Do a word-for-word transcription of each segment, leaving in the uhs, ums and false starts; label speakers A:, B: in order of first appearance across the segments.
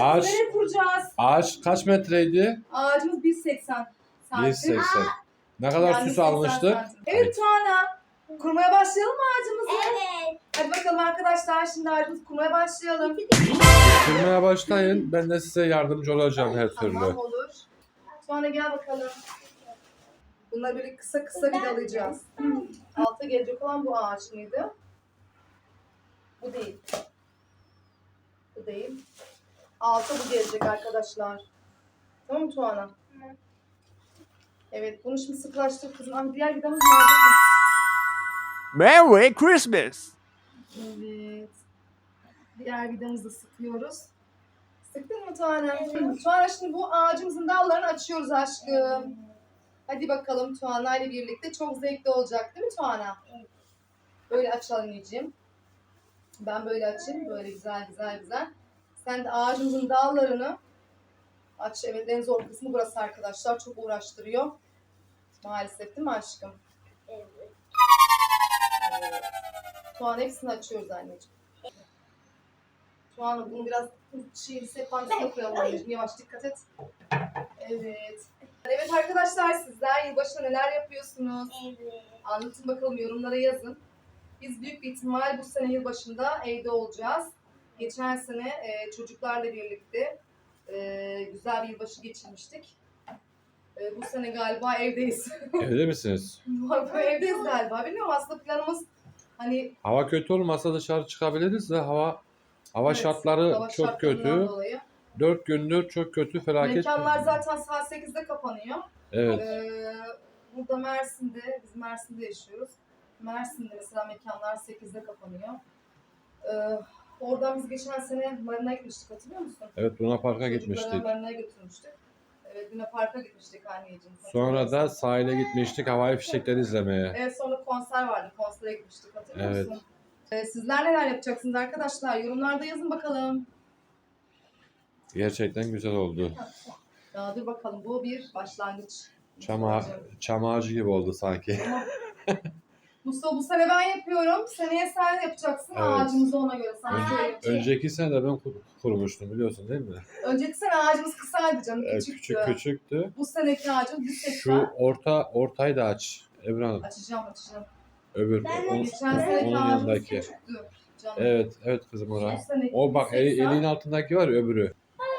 A: Ağaç-
B: nereye kuracağız?
A: Ağaç kaç metreydi?
B: Ağacımız bir seksen santim.
A: bir seksen. Ne kadar
B: Yani
A: süs
B: seksen
A: almıştık?
B: santim. Evet Tuana. Kurmaya başlayalım mı ağacımızı?
C: Evet.
B: Hadi bakalım arkadaşlar, şimdi ağacımızı kurmaya başlayalım.
A: Kurmaya başlayın. Ben de size yardımcı olacağım her türlü.
B: Tamam, olur. Tuana gel bakalım. Bunları böyle kısa kısa vidalayacağız. Alta gelecek olan bu ağaç mıydı? Bu değil. Bu değil. Alta bu gelecek arkadaşlar. Tamam mı Tuana? Evet, bunu şimdi sıklaştır kızım. Ama diğer vidamız nerede?
D: Merry Christmas.
B: Evet. Diğer vidamızı da sıkıyoruz. Sıktın mı Tuana? Tuana, şimdi bu ağacımızın dallarını açıyoruz aşkım. Hadi bakalım Tuana ile birlikte. Çok zevkli olacak değil mi Tuana? Böyle aç anneciğim. Ben böyle açayım. Böyle güzel güzel güzel. Sen de ağacımızın dallarını aç. Evet, en zor kısmı burası arkadaşlar. Çok uğraştırıyor. Maalesef değil mi aşkım?
C: Evet.
B: Evet. Tuana hepsini açıyoruz anneciğim. Tuana bunu biraz şey, sehpanın üstüne koyalım anneciğim. Yavaş dikkat et. Evet. Evet arkadaşlar, sizler yılbaşında neler yapıyorsunuz?
C: Evet.
B: Anlatın bakalım, yorumlara yazın. Biz büyük bir ihtimal bu sene yılbaşında evde olacağız. Geçen sene e, çocuklarla birlikte e, güzel bir yılbaşı geçirmiştik. E, bu sene galiba evdeyiz.
A: Evde misiniz?
B: Evdeyiz galiba. Bilmiyorum, aslında planımız hani
A: Hava kötü olmasa dışarı çıkabiliriz de hava hava
B: evet,
A: şartları
B: hava
A: çok
B: şartlarından
A: kötü.
B: dolayı.
A: Dört gündür çok kötü, felaket.
B: Mekanlar zaten saat sekizde kapanıyor.
A: Evet.
B: Ee, burada Mersin'de, biz Mersin'de yaşıyoruz. Mersin'de mesela mekanlar sekizde kapanıyor. Ee, oradan biz geçen sene Marina'ya gitmiştik, hatırlıyor musun?
A: Evet, Luna Park'a
B: Çocukları
A: gitmiştik.
B: Marina'ya götürmüştük. Evet, Luna Park'a gitmiştik anneciğim.
A: Sonra da sahile gitmiştik havai fişekleri izlemeye.
B: Evet, sonra konser vardı. Konsere gitmiştik, hatırlıyor
A: Evet.
B: musun? Ee, sizler neler yapacaksınız arkadaşlar? Yorumlarda yazın bakalım.
A: Gerçekten güzel oldu.
B: Ya dur bakalım, bu bir başlangıç.
A: Çam, ağa- çam ağacı gibi oldu sanki.
B: Mustafa, bu sene ben yapıyorum. Seneye sen yapacaksın.
A: Evet.
B: Ağacımızı ona göre sana
A: Önce-
B: söyleyeyim.
A: Önceki sene de ben kur- kurmuştum biliyorsun değil mi?
B: Önceki sene ağacımız kısaydı canım.
A: Evet,
B: Küçüktü.
A: küçük küçüktü.
B: Bu seneki ağacımız bir
A: Şu
B: seksen.
A: orta ortayı da aç Ebru Hanım.
B: Açacağım açacağım.
A: Öbür
C: Ben de
A: onun,
B: Geçen
A: onun
B: seneki ağacımız
A: yanındaki.
B: küçüktü canım.
A: Evet, evet kızım
B: Bu
A: orası.
B: seneki
A: O bak
B: bir
A: el,
B: seksen.
A: elin altındaki var ya öbürü.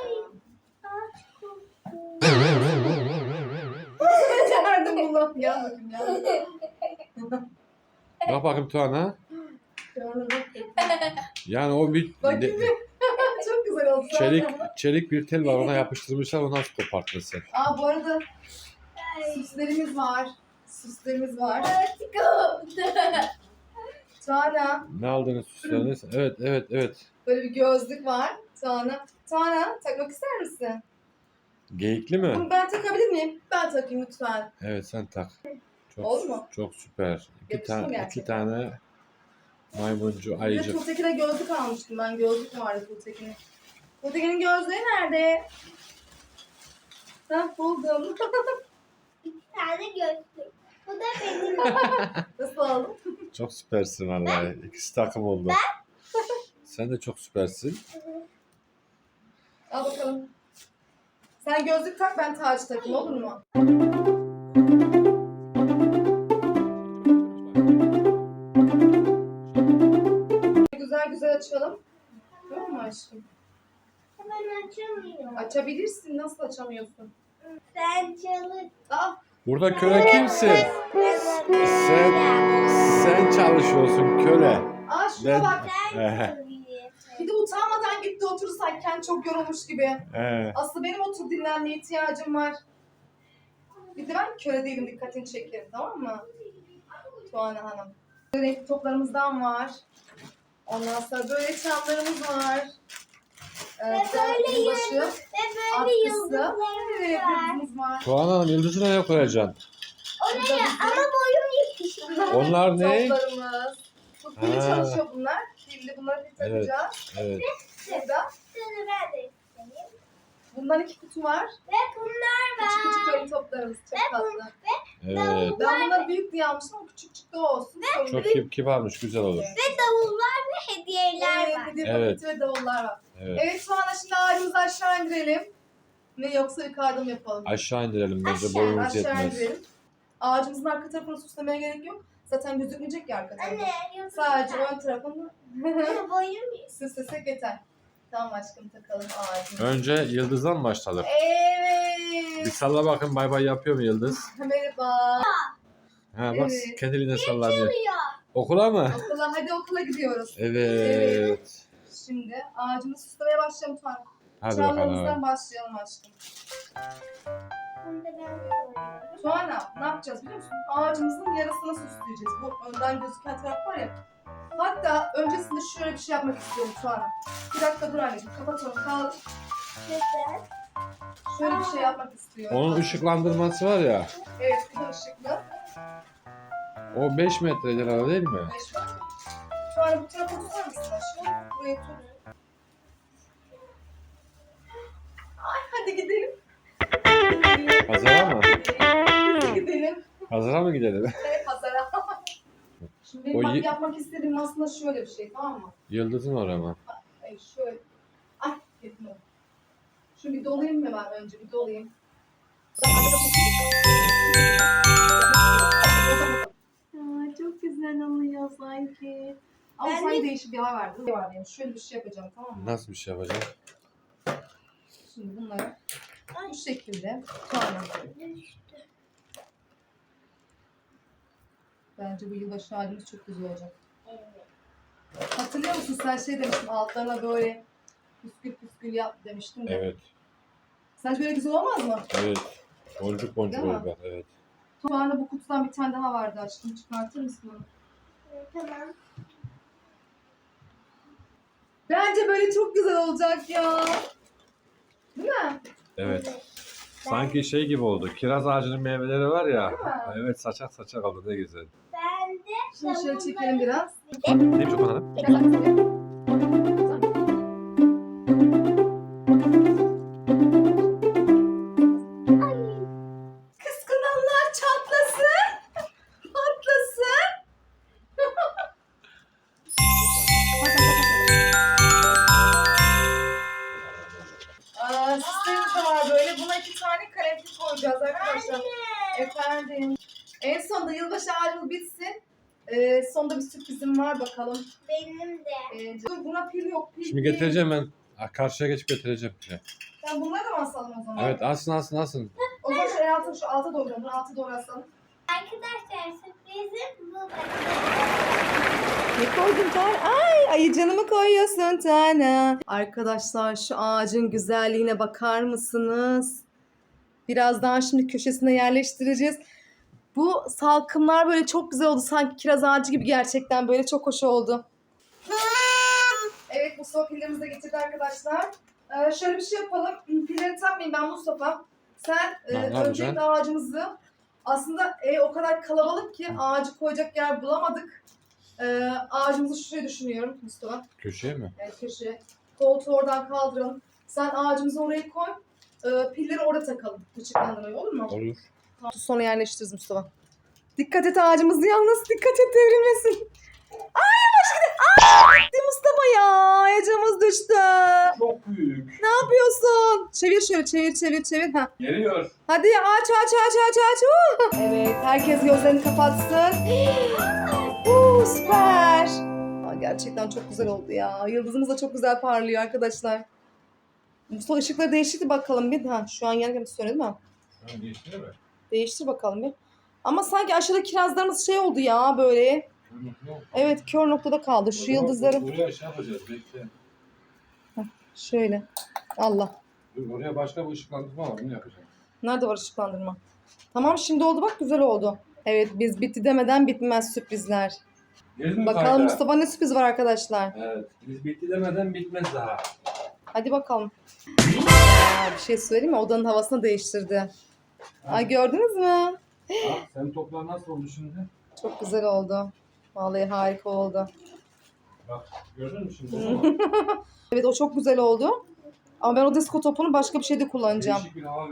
B: Becerdim bunu. Gel bakayım ya.
A: Bak bakayım Tuana.
B: Şöyle bak.
A: Yani o bir
B: Bakayım
A: de-
B: bir. Çok güzel oldu.
A: çelik çelik bir tel var ona yapıştırmışlar onu nasıl koparttın sen?
B: Aa, bu arada süslerimiz var. Süslerimiz var. Tuana,
A: Ne aldınız süsleriniz? Evet, evet, evet.
B: böyle bir gözlük var. Tuana. Tuana, takmak ister misin?
A: Geyikli mi?
B: Bunu ben takabilir miyim? Ben takayım lütfen.
A: Evet sen tak. Çok,
B: Oldu mu?
A: Çok süper. İki,
B: Yakıştı mı
A: tane, iki
B: gerçekten?
A: tane maymuncu
B: Bir de
A: ayıcık.
B: Tuğtekin'e gözlük almıştım ben. Gözlük vardı Tuğtekin'in. Tuğtekin'in gözlüğü nerede? Hah, buldum.
C: Bir tane gözlük. Bu da benim.
B: Nasıl aldın?
A: Çok süpersin vallahi. İkisi takım oldu. Sen de çok süpersin.
B: Al bakalım. Sen gözlük tak, ben tacı takayım, olur mu? Güzel güzel açalım. Tamam mı aşkım?
C: Hemen açamıyorum.
B: Açabilirsin. Nasıl açamıyorsun?
C: Sen çalış.
B: Aa,
A: Burada köle kimsin? Sen sen çalışıyorsun köle.
B: aa şuna
A: Ben-
B: bak.
A: Ehe.
B: Bir de utanmadan gitti oturursak kendi çok yorulmuş gibi.
A: Ee,
B: Aslında benim otur dinlenmeye ihtiyacım var. Bir de ben köle değilim, dikkatini çekerim, tamam mı? Tuana Hanım. Renkli toplarımızdan var. Ondan sonra böyle çamlarımız var. Ee,
C: Ve böyle
B: yılbaşı
C: Ve böyle
B: atkısı.
C: yıldızlarımız
B: Evet,
C: var.
B: yıldızımız var.
A: Tuğan Hanım yıldızı nereye koyacaksın?
C: Oraya ama boyum yetişmiyor.
A: Onlar ne?
B: Toplarımız. Bu pili
A: Ha.
B: çalışıyor bunlar. Pilli, bunları bir
A: Evet.
B: takacağız.
A: Evet.
B: Burada.
C: Şunu ben de isteyeyim.
B: Bundan iki kutu var.
C: Ve bunlar
B: Küçük küçük
C: var.
B: böyle toplarımız. Çok
C: Ve bu-
B: tatlı.
C: Ve
A: Evet.
B: Ben bunları büyük diye almıştım ama küçük çıktı olsun. Sorun
A: Çok
B: değil.
A: kib kibarmış, güzel olur.
C: Ve davullar ve hediyeler
B: Evet,
C: var.
B: hediye
A: Evet.
B: paketi ve davullar var.
A: Evet.
B: Evet şu anda şimdi ağacımızı aşağı indirelim. Ne yoksa yukarıda mı yapalım?
A: Aşağı indirelim bence,
C: Aşağı,
A: boyumuz
B: Aşağı
A: yetmez.
B: indirelim. Ağacımızın arka tarafını süslemeye gerek yok. Zaten gözükmeyecek ya arka tarafı.
C: Anne, yoksa
B: Sadece ön tarafını
C: boyun
B: süslesek yeter. Tamam aşkım, takalım ağacımızı.
A: Önce yıldızdan mı başlayalım? Bir
B: Evet.
A: salla bakın, bay bay yapıyor mu yıldız?
B: Merhaba.
A: Ha bak,
B: Evet.
A: kendiliğine sallanıyor.
C: ya.
A: Okula mı?
B: Okula, hadi okula gidiyoruz.
A: Evet.
B: Şimdi ağacımızı süslemeye başlayalım Tuğan.
A: Hadi
B: Çağlarımızdan
A: bakalım.
B: başlayalım aşkım.
C: Bunu da ben koyuyorum.
B: Tuana ne yapacağız biliyor musun? Ağacımızın yarısını süsleyeceğiz. Bu önden gözüken taraf var ya. Hatta öncesinde şöyle bir şey yapmak istiyorum Tuana. Bir dakika dur anneciğim, kapat onu, kaldır.
C: Güzel.
B: Şöyle bir şey yapmak istiyorum.
A: Onun ışıklandırması var ya,
B: Evet, bir de ışıklı.
A: o beş metre herhalde değil mi?
B: Beş metre. Tuana bu tarafa tutar mısın aşkım? Buraya tut. Ay hadi gidelim.
A: Pazara mı?
B: Hadi gidelim.
A: Pazara mı gidelim?
B: Evet, pazara. Şimdi benim
A: O
B: bak
A: y-
B: yapmak istediğim aslında şöyle bir şey, tamam mı?
A: Yıldızın oraya mı?
B: Ay şöyle. Ay yetmiyor. Şunu bir dolayayım mı ben önce? Bir dolayayım. Aa, çok güzel oluyor sanki. Ama
C: Ben
B: sanki değişik bir hava verdi. Ne var benim? Şöyle bir şey yapacağım, tamam mı?
A: Nasıl bir şey yapacağım?
B: Şimdi bunları bu şekilde sonra. Bence bu yılbaşı halimiz çok güzel olacak. Hatırlıyor musun, sen şey demiştin, altlarına böyle püskül püskül yap demiştin de.
A: Evet.
B: Sence böyle güzel olmaz mı?
A: Evet. Boncuk boncuk
B: Değil mi?
A: olur bak, evet.
B: Şu anda bu kutudan bir tane daha vardı aşkım. Çıkartır mısın onu?
C: Tamam.
B: Bence böyle çok güzel olacak ya. Değil mi?
A: Evet. Sanki şey gibi oldu. Kiraz ağacının meyveleri var ya.
B: Değil mi?
A: Evet, saçak saçak oldu, ne güzel.
C: Ben de
B: Şimdi şöyle çekelim biraz.
A: Neymiş o bakalım?
B: Biraz daha. Kıskananlar çatlasın. Patlasın. Aa, süslerimiz de var böyle. Buna iki tane kalemlik koyacağız arkadaşlar. Efendim. En sonunda yılbaşı ağacımız bitsin. Ee, sonunda bir sürprizim var bakalım.
C: benim de.
B: Ee, dur, buna pil yok. Pil,
A: Şimdi
B: pil.
A: getireceğim ben. Ha, karşıya geçip getireceğim. Şey.
B: Ben bunları da mı asalım o zaman?
A: Evet, asın asın asın.
B: O zaman şu altı, şu alta doğru, bunu alta doğru asalım.
C: Arkadaşlar sürprizim bu.
B: Ne koydun Tana? Ay ayıcanı mı koyuyorsun Tana? Arkadaşlar şu ağacın güzelliğine bakar mısınız? Birazdan şimdi köşesine yerleştireceğiz. Bu salkımlar böyle çok güzel oldu. Sanki kiraz ağacı gibi, gerçekten böyle çok hoş oldu. Evet, Mustafa pillerimizi de getirdi arkadaşlar. Ee, şöyle bir şey yapalım. Pilleri takmayayım ben Mustafa. Sen e,
A: Ne yapacaksın?
B: öncelikle ağacımızı, aslında ev o kadar kalabalık ki ağacı koyacak yer bulamadık. Ee, ağacımızı şuraya düşünüyorum Mustafa.
A: Köşeye mi?
B: Evet, köşeye. Koltuğu oradan kaldıralım. Sen ağacımızı oraya koy. Ee, pilleri orada takalım. Işıklandırmayı, olur mu?
A: Olur.
B: Tamam, sonra yerleştiririz Mustafa. Dikkat et ağacımız yalnız. Dikkat et, devrilmesin. Ay yavaş gidin. Aa, gitti Mustafa ya. Ağacımız düştü.
A: Çok büyük.
B: Ne yapıyorsun? Çevir şöyle, çevir çevir çevir. Heh.
A: Geliyor.
B: Hadi aç aç aç aç aç. Uh! Evet, herkes gözlerini kapatsın. uh, süper. Aa, gerçekten çok güzel oldu ya. Yıldızımız da çok güzel parlıyor arkadaşlar. Mustafa ışıkları değiştirdi bakalım bir. Ha, şu an yanken söyledi mi?
A: Tamam, geçti mi?
B: Değiştir bakalım bir. Ama sanki aşağıda kirazlarımız şey oldu ya böyle. Evet, kör noktada kaldı. Şu yıldızları
A: Oraya şey yapacağız, bekle.
B: şöyle. Allah.
A: Dur, oraya başka bir ışıklandırma var, onu yapacağım.
B: Nerede var ışıklandırma? Tamam, şimdi oldu bak, güzel oldu. Evet, biz bitti demeden bitmez sürprizler.
A: Geldin mi
B: Bakalım
A: kayda?
B: Mustafa ne sürpriz var arkadaşlar.
A: Evet, biz bitti demeden bitmez daha.
B: Hadi bakalım. Aa, bir şey söyleyeyim mi? Odanın havasını değiştirdi. Ay, gördünüz mü?
A: Bak, senin toplar nasıl oldu şimdi?
B: Çok güzel oldu. Vallahi harika oldu.
A: Bak, gördün mü şimdi? O zaman
B: Evet, o çok güzel oldu. Ama ben o disko topunu başka bir şeyde kullanacağım.
A: değişik bir hava verdim. Böyle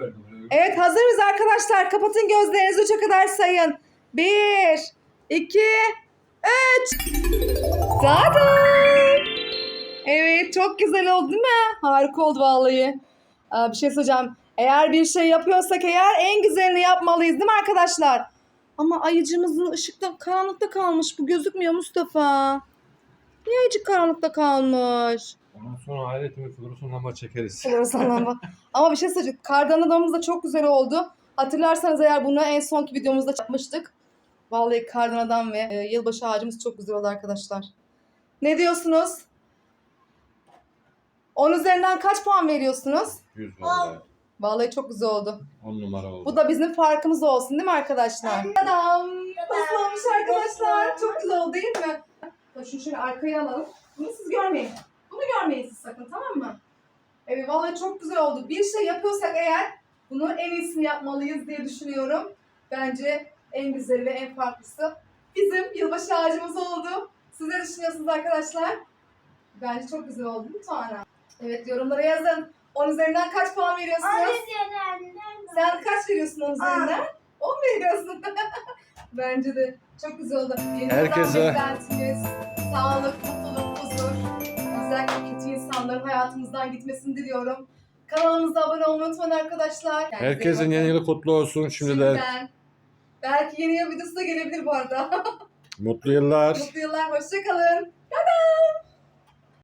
B: Evet, hazır mıyız arkadaşlar? Kapatın gözlerinizi, üçe kadar sayın. Bir, iki, üç. Tada! Evet, çok güzel oldu değil mi? Harika oldu vallahi. Aa, bir şey söyleyeceğim. Eğer bir şey yapıyorsak eğer en güzelini yapmalıyız değil mi arkadaşlar? Ama ayıcımızın ışıkta karanlıkta kalmış. Bu gözükmüyor Mustafa. Niye ayıcık karanlıkta kalmış?
A: Ondan sonra aletimi floresan lamba çekeriz.
B: Floresan lamba. Ama bir şey söyleyeceğim. Kardan adamımız da çok güzel oldu. Hatırlarsanız eğer bunu en sonki videomuzda yapmıştık. Vallahi kardan adam ve e, yılbaşı ağacımız çok güzel oldu arkadaşlar. Ne diyorsunuz? on üzerinden kaç puan veriyorsunuz?
A: yüz vallahi.
B: Vallahi çok güzel oldu.
A: on numara oldu.
B: Bu da bizim farkımız olsun değil mi arkadaşlar? Tadam! Nasıl olmuş arkadaşlar? Çok güzel oldu değil mi? Şunu şöyle arkaya alalım. Bunu siz görmeyin. Bunu görmeyin siz sakın, tamam mı? Evet, vallahi çok güzel oldu. Bir şey yapıyorsak eğer bunu en iyisini yapmalıyız diye düşünüyorum. Bence en güzeli ve en farklısı bizim yılbaşı ağacımız oldu. Siz ne düşünüyorsunuz arkadaşlar? Bence çok güzel oldu değil mi Tuana? Evet, yorumlara yazın. on üzerinden kaç puan veriyorsunuz? Sen kaç veriyorsun on üzerinden? on veriyorsun. Bence de çok güzel oldu. Yeni
A: Herkese-
B: yıldan beklentimiz sağlık, mutluluk, huzur. Özellikle kötü insanların hayatımızdan gitmesini diliyorum. Kanalımıza abone olmayı unutmayın arkadaşlar. Kendinize iyi
A: Herkesin
B: bakın.
A: yeni yılı kutlu olsun şimdiden.
B: Şimdiden. Belki yeni yıl videosu da gelebilir bu arada.
A: Mutlu yıllar.
B: Mutlu yıllar, hoşça kalın. Tada!